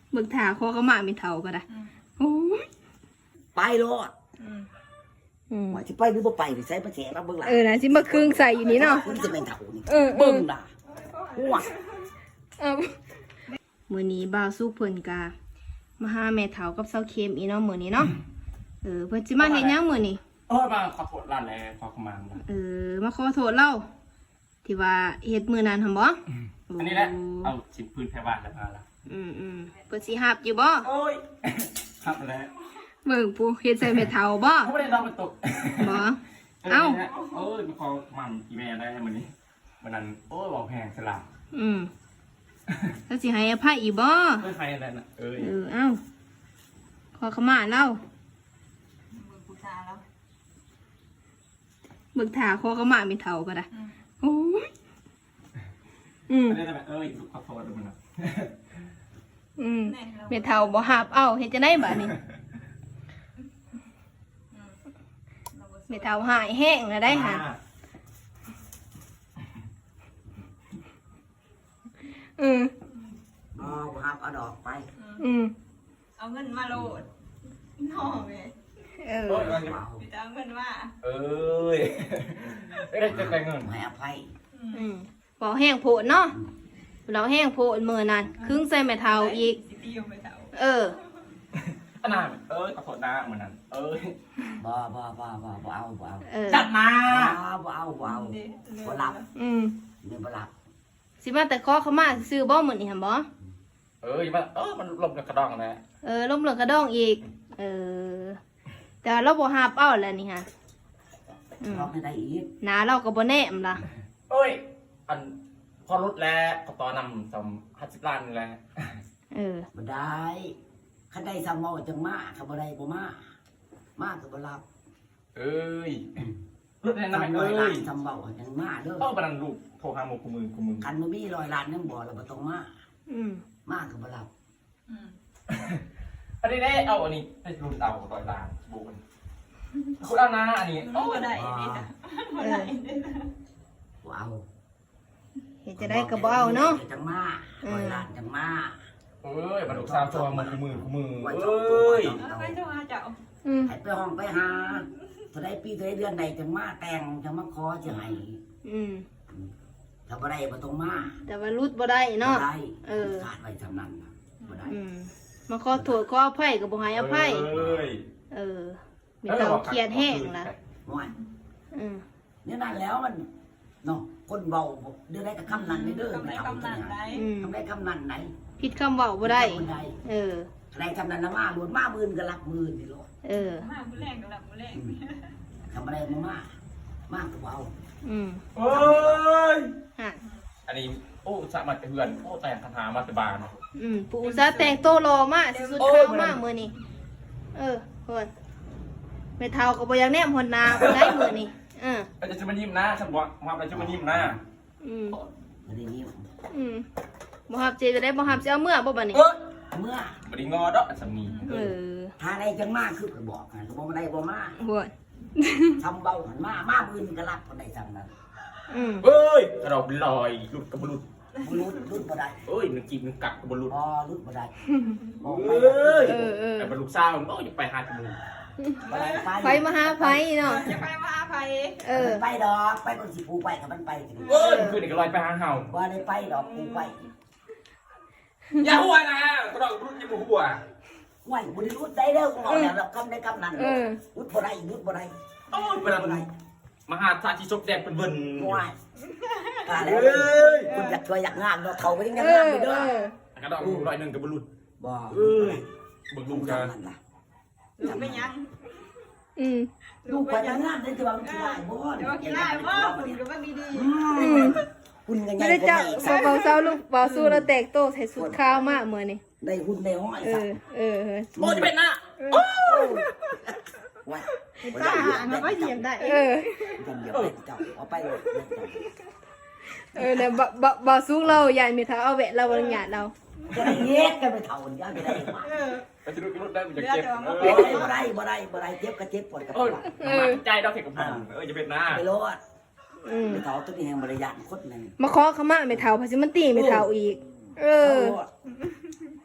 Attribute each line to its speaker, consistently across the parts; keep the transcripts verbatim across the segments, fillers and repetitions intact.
Speaker 1: เบิกถาคอเขามาไม่เท่าก็ได้โอ้ย
Speaker 2: ไปรอดว่าจะไปหรือบ่ไปหรือใช้ประแจรับเบิ่งหลัง
Speaker 1: เออนะสิมาครึ่งใส่อยู่นี่เนาะ
Speaker 2: คุณจะเป็นเถ่านี่
Speaker 1: เออ
Speaker 2: เบิ่งด่าหัว
Speaker 1: เอามื้อนี้บ่าวสู้เพิ่นกามาหาแม่เฒ่ากับเซาเค็มอีเนาะมื้อนี้เนาะเออเพิ่นสิมาเฮ็ดหยังมื้อนี้
Speaker 3: โอ้ยมาขอโทษร้านแล้วขอขมา
Speaker 1: เออมาขอโทษเราที่ว่าเฮ็ดมื้อนั้นหั่นบ่
Speaker 3: อันนี้แหละเอาชิ้นพื้นแพรบ้านแล้วมาละ
Speaker 1: อืมอืมเพิ่นสิฮับอยู่บ่
Speaker 3: โอ้ยฮับแล้ว
Speaker 1: เบิ่งผู้เฮ็ดใส่แม่เฒ่าบ่
Speaker 3: เขาไม่ได้ลองมันตก
Speaker 1: บ่เอ้า
Speaker 3: โอ้ยมาขอมันอีแม่ได้มื้อนี้วันนั้นโอ้ยบอกแพงสลับ
Speaker 1: อืมแล้วสิให้อภัยอีกบ่
Speaker 3: เอ้ยใครอะไรน่ะเอ้ย
Speaker 1: เออเอ้าขอขมาเล่าเบิกถาคอขมาไม่เท่าก็ได้โอ้ยอืม
Speaker 3: เอ้ยขอโทษด้วยมันนะ
Speaker 1: อืมไม่เท่าบ่หับเอ้าเฮ็ดจะได้บ่นี่ไม่เท่าหายแห้งนะได้ห่ะอืม
Speaker 2: อ๋อหับเอาดอกไป
Speaker 1: อืม
Speaker 4: เอาเงินมาโหลดน้องเลย
Speaker 1: เออ
Speaker 4: พี่จะเอาเงินมา
Speaker 3: เอ้ยไม่ได้จะไปเงิน
Speaker 2: ให้อภัย
Speaker 1: อืมบอกแห้งโผล่เนาะเราแห้งโผล่มือนั่นครึ่งใส่แม่เท่าอีกเออ
Speaker 3: ขนาดเอ้ยขอโทษนะเหมือนนั้นเอ้ย
Speaker 2: บ่บ่บ่บ่บ่เอาบ่เอา
Speaker 3: จัดมา
Speaker 2: บ่เอาบ่เอาบ่หลับ
Speaker 1: อืม
Speaker 2: นี่บ่หลับ
Speaker 1: สิมาแต่ขอเขามาซื้อบ่เหมือนนี่หั่นบ่
Speaker 3: เอ้ยมันเออมันลมกระดองนะ
Speaker 1: เออลมเหลืองกระดองอีกเออแต่เราบ่หับเอาแล้วนี่ฮะ
Speaker 2: ร้องให้ได้อีก
Speaker 1: หนาเราก็บ่แน่มล่ะ
Speaker 3: เอ้ยอันพอรถแล้วก็ต่อนำสมห้าสิบล้านนี่แหละ
Speaker 1: เออ
Speaker 2: บ่ได้คันได้ซ้ำเมาจังมาคันบ่ได้บ่มามาก็บ่รับ
Speaker 3: เอ้ยรถแน่นอนเอ้ย
Speaker 2: ซ้ำเมาจังมาเด้อ
Speaker 3: เออบันลูกโทรหาหมู่กูมือกูมือ
Speaker 2: คันบ่มีร้อยล้านยังบ่แล้วบ่ต้องมา
Speaker 1: อืม
Speaker 2: มาก็บ่รับ
Speaker 4: อืม
Speaker 3: อันนี้ได้เอาอันนี้ให้รุ่นเอาร้อยล้านบุญคุณเอานะอันนี้
Speaker 4: โอ้ได้นี่จ้ะบ่ได้
Speaker 2: บ่เอา
Speaker 1: เฮ็ดจะได้ก็บ่เอาเนาะ
Speaker 2: จังมาร้อยล้านจังมา
Speaker 3: เอ้ยบันลูกสาวตัวมันกูมือกูมือเอ้ย
Speaker 4: ไปโทรหาเจ้า
Speaker 1: อืม
Speaker 2: ให้ไปห้องไปหาเท่าใดปีเท่าใดเดือนใดจังมาแต่งจังมาขอสิให้
Speaker 1: อืม
Speaker 2: ถ้าบ่ได้บ่ต้องมา
Speaker 1: แต่ว่ารุดบ่ได้เนาะ
Speaker 2: เออขาดไว้ซำนั้นบ่ได้
Speaker 1: อืมมาขอโทษขออภัยก็บ่ให้อภัยเออมีเตาเครียดแห้งล่ะ
Speaker 2: ม่วน
Speaker 1: อืม
Speaker 2: นี่นั่นแล้วมันเนาะคนเบาเด้อได้กับคำนั้นเด้อไม่เอา
Speaker 4: คำนั้นได้
Speaker 2: ทำได้คำนั้นไหน
Speaker 1: ผิดคำเว้าบ่ได้เออ
Speaker 2: อะไรคำนั้นนะมาหลุดมามื่นก็รับมื่นนี่โลด
Speaker 1: เออ
Speaker 4: มามื้อแรงก็รับมื้อแรง
Speaker 2: ทำอะไรมามากมากก็เบา
Speaker 1: อืม
Speaker 3: เอ้ย
Speaker 1: ฮะ
Speaker 3: อันนี้โอ้สามัญเพื่อนโอ้แต่งคาถามาสบาน
Speaker 1: อืมปู่ซะแต่งโตรอมากสุดๆเข้ามากมื้อนี้เออเพิ่นแม่เฒ่าก็บ่อยากแนมหนหน้าบ่ได้มื้อนี้เออ
Speaker 3: อาจจะมายิ้มนะฉันบอกมาอะไรจะมายิ้มนะ
Speaker 1: อืม
Speaker 2: บ่ได้ยิ้ม
Speaker 1: อืมบ่ฮับเจจะได้บ่ฮับสิเอาเมื่อบ่บัดนี้
Speaker 2: เมื่อ
Speaker 3: บ่ได้งอดอกสามี
Speaker 1: เออ
Speaker 2: ถ้าได้จังมากคือก็บอกกันก็บ่ได้บ่มา
Speaker 1: โหด
Speaker 2: ทำเบาหันมามามื่นก็รับคนใดจังนั้น
Speaker 1: อืม
Speaker 3: เอ้ยกระดอกลอยหลุดกับบลุด
Speaker 2: บ่รุดรุดบ่ได้
Speaker 3: เอ้ยนึกกินนึกกักกับบลุด
Speaker 2: อ๋อรุดบ่ได้
Speaker 3: บอกไปเอ้ยแต่บรรลุสาวโอ้ยจะไปหาจมูก
Speaker 1: ไปมาหาไผเนาะ
Speaker 4: จะไปมาหาไผ
Speaker 2: เออไปดอกไปคนสิปูไปกับมันไป
Speaker 3: เอ้ยคือเด็กลอยไปหาเห่า
Speaker 2: ว่าได้ไปดอกปูไป
Speaker 3: อย่าหัวนะกระดอกรุดยังหัว
Speaker 2: ไหวบุรุษได้เด้อกูบอกแล้วคำได้คำนั้นรุดบ่ได้รุดบ่ได้
Speaker 3: โอ้ยเวลาบ่ได้มหาชาติศพแดงเป็นเบิ่น
Speaker 2: ไหวกาแล้วคุณอยากช่วยอยากงานเราเขาไปยังงานไปเด้อก
Speaker 3: ระดอกลอยหนึ่งกับบรรลุ
Speaker 2: บ่
Speaker 3: เอ้ยบึกลุงกัน
Speaker 4: ลูกไม่ยัง
Speaker 1: อืม
Speaker 2: ลูกไปยังงานได้จะวางกี่ไร่บ่
Speaker 4: เดี๋ยวกี่ไร่บ่คุณก็ว่าดี
Speaker 2: ๆคุณยังไง
Speaker 1: บ่ได้จ้ะบ่เซาลูกบ่สู้แล้วแตกโตใส่สุดข้าวมากมื้อนี้
Speaker 2: ได้หุ้นได้ห้อย
Speaker 1: ซะเออๆ
Speaker 3: โอ้จะเป็นน่ะโอ้
Speaker 2: ว่า
Speaker 4: ป้าหามาก็เหยียบได้
Speaker 1: เออ
Speaker 2: เหยียบได้เจ้าเอาไปเลย
Speaker 1: เออเนี่ยบ่บ่บ่สู้เราใหญ่มีเท่าเอาแวะเราบ่หยาดเรา
Speaker 2: จะได้เฮ็ดกันไปเท่านี้ไปได้มา
Speaker 3: เออไปสิลูกได้มันจะเจ็บ
Speaker 2: เออบ่ได้บ่ได้บ่ได้เจ็บก็เจ็บปวดก็ปวด
Speaker 3: เออใจดอกเข็มกับพันเออจะเป็นน่ะ
Speaker 2: ไปโลดอืมไปเท่าตัวนี้แห่งบริยานโคตรนึง
Speaker 1: มาขอขมาไม่เท่าเพราะสิมันตีไม่เท่าอีกเออ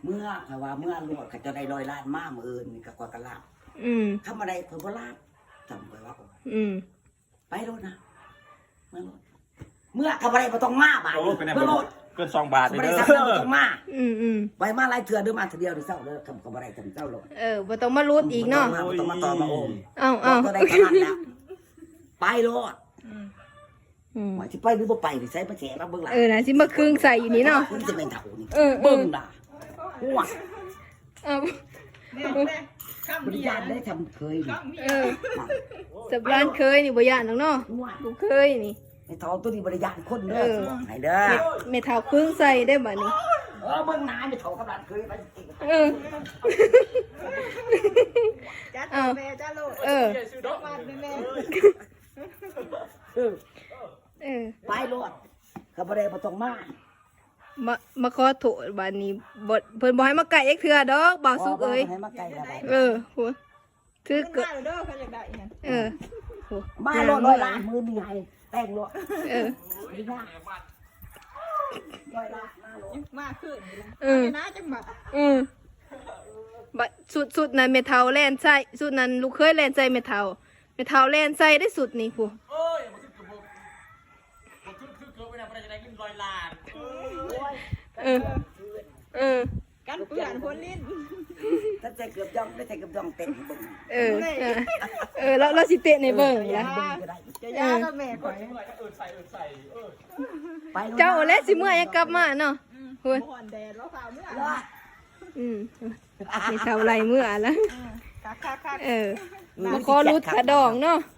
Speaker 2: เมื่อถ้าว่าเมื่อรวดเขาจะได้ร้อยล้านมามื้ออื่นนี่ก็กว่ากะลาบ
Speaker 1: อืม
Speaker 2: ทำอะไรเพิ่นบ่ลาบจำไว้ว่า
Speaker 1: อืม
Speaker 2: ไปโลดนะเมื่อโลดเมื่อเขาบ่ได้บ่ต้องมาบาด
Speaker 3: โอ้
Speaker 2: นี้
Speaker 3: เป็นไง
Speaker 2: เมื่อโลด
Speaker 3: เกินสองบาท
Speaker 2: เขา
Speaker 3: เลย
Speaker 2: บ่ได้
Speaker 3: เด้
Speaker 2: ทำแล้วบ่
Speaker 3: อ
Speaker 2: ต้องมา
Speaker 1: อืมอืม
Speaker 2: ไว้มาหลายเทื่อเด้อมาเทื่อเดียวเด้อเศร้าเด้อคำเขาบ่ได้ทำเจ้าโลด
Speaker 1: เออบ่ต้องมารูดอีกเนาะ
Speaker 2: บ่ต้องมาบ่ต้องมาต่อมาโอม
Speaker 1: เอ้าเอ้า
Speaker 2: ก็ได้ขนาดแล้วไปโลด
Speaker 1: อืม
Speaker 2: ว่าสิไปหรือบ่ไปนี่ใส่ประแฉมาเบิ่งหล่ะ
Speaker 1: เออนะสิมาครึ่งใส่อยู่นี่เนาะ
Speaker 2: คุณจะเป็นเฒ่านี่
Speaker 1: เออเออ
Speaker 2: เบิ่งล่ะหัว
Speaker 1: เอ้า
Speaker 4: แม่แม่ข้าม
Speaker 2: บริ
Speaker 4: เบีย
Speaker 2: ญา
Speaker 4: ร์
Speaker 2: ณได้ทำเคยนี่
Speaker 4: ข้ามเบีย
Speaker 1: เอ
Speaker 4: ร์
Speaker 1: อสับร้านเคยนี่บ่ย่านหรอกเนาะ
Speaker 2: หัว
Speaker 1: บ่เคยนี่
Speaker 2: ไอ้เฒ่าตัวนี้บริญาณคนเด้
Speaker 1: เอ
Speaker 2: อ
Speaker 1: อ
Speaker 2: ให้เด้อ
Speaker 1: เม็ดเม็ดเท้าครึ่งใส่ได้บัดนี้
Speaker 2: เออเบิ่งหน้าไม่เฒ่ากับหลานเคยไปจริง
Speaker 1: เออ
Speaker 4: จ้า
Speaker 1: อ้าว
Speaker 4: แม่จ้าโลด
Speaker 1: เออ
Speaker 4: บ้านแม่
Speaker 2: เออ
Speaker 1: เออ
Speaker 2: ไปโลดเขาบ่ได้บ่ต้องมา
Speaker 1: มามาขอโทษบัดนี้บ่เพิ่นบ่ให้มาไก่เอ็กเทื่อดอกบ่าวสุกเอ้ย
Speaker 2: ให้มาไกลแล้วไป
Speaker 1: เออโหถือ
Speaker 4: ขึ้น
Speaker 1: เกิด
Speaker 4: มาเด้อเขาอยากได้อีหยัง
Speaker 1: เออโห
Speaker 2: มาโลดร้อยล้านมือมีให้แต่งโลด
Speaker 1: เออ
Speaker 2: ดีนะร้อยล้านมาโลด
Speaker 4: มาขึ้นนี่ล่ะ
Speaker 1: เออ
Speaker 4: น้าจังบ่
Speaker 1: เออบัดสุดสุดนั้นเมทัลแล่นใส่สุดนั้นลูกเคยแล่นใส่เมทัลเมทัลแล่นใส่ได้สุดนี่ผู้
Speaker 3: เอ้ยมันคือคือมันคือคือเกิดไปนะมันจะได้กินร้อยล้าน
Speaker 1: เออเออ
Speaker 4: กันเปื่อนพ้นลิ้น
Speaker 2: ถ้าใจเกือบย่องได้ใจเกือบย่องเต็มเบิ่ง
Speaker 1: เออเออเออแล้วเราสิเตะในเบิ่ง
Speaker 2: อ
Speaker 1: ละ
Speaker 2: เบิ่งก็ได้
Speaker 4: จะยาก็แม่ข่อย
Speaker 3: เมื่อไหร่ก็เอินใส่เอินใส่เออ
Speaker 2: ไปโลด
Speaker 1: เจ้าและสิเมื่อยังกลับมาเนาะ
Speaker 4: อืม
Speaker 1: พุ่น
Speaker 4: บ่อนแดดแล้วข่าวเมื่อ
Speaker 2: โลด
Speaker 1: อืมเมทัลไรเมื่อละ
Speaker 4: คักคักคัก
Speaker 1: เออมาขอรุดขาดองเนาะ